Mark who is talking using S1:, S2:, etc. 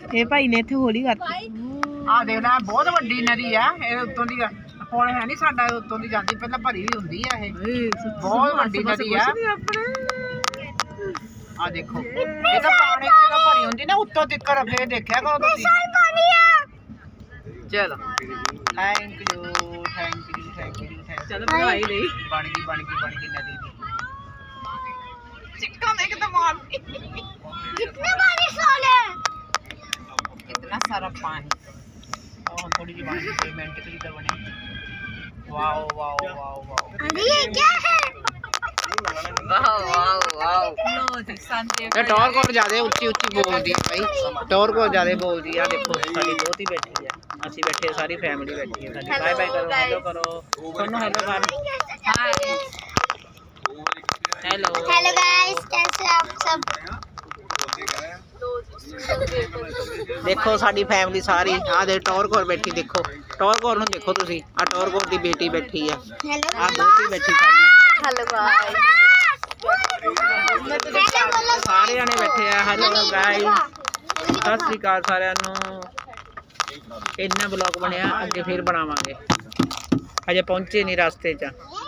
S1: ਇਹ ਭਾਈ ਨੇ ਇੱਥੇ ਹੋਲੀ ਕਰਤੀ।
S2: ਆ ਦੇਖ ਲੈ ਬਹੁਤ ਵੱਡੀ ਨਦੀ ਆ ਇਹ ਉੱਤੋਂ ਦੀ ਹੁਣ ਹੈ ਨਹੀਂ ਸਾਡਾ ਉੱਤੋਂ ਦੀ ਜਾਂਦੀ ਪਹਿਲਾਂ ਭਰੀ ਵੀ ਹੁੰਦੀ ਆ ਇਹ ਬਹੁਤ ਵੱਡੀ ਨਦੀ ਆ ਆ ਦੇਖੋ ਇਹ ਤਾਂ ਪਾਣੀ ਜਦੋਂ ਭਰੀ ਹੁੰਦੀ ਨਾ ਉੱਤੋਂ ਤੱਕ ਫੇਰ ਦੇਖਿਆ ਕਰੋ ਤੁਸੀਂ ਚਲੋ ਥੈਂਕ ਯੂ ਚਲੋ ਬਣਾਈ ਲਈ ਬਣ ਗਈ नदी ਦੀ चिक्का देख तो मारती कितने बारिश वाले कितना सारा पानी और थोड़ी सी पानी रोमांटिकली तो बने वाओ वाओ वाओ वाओ अरे ये क्या है वाओ वाओ वाओ लो जी संदीप ये टॉर को ज्यादा ऊंची ऊंची बोलदी है भाई टॉर को ज्यादा बोलदी है देखो साडी दोती बैठी है ਅਸੀਂ बैठे सारी फैमिली बैठी है साडी बाय बाय करो हेलो करो सोनू हेलो कर हाय हेलो हेलो गाइस कैसे आप सब देखो साडी फैमिली सारी आ दे टॉर कोर बैठी देखो टॉर कोर नु देखो तुसी आ टॉर कोर दी बेटी बैठी है आ दोती बैठी साडी हेलो गाइस सारे जने बैठे हैं हेलो गाइस सत श्री अकाल सारिਆਂ ਨੂੰ इन्ना ब्लॉग बनया अगे फिर बनावांगे अजे पहुंचे नहीं रास्ते च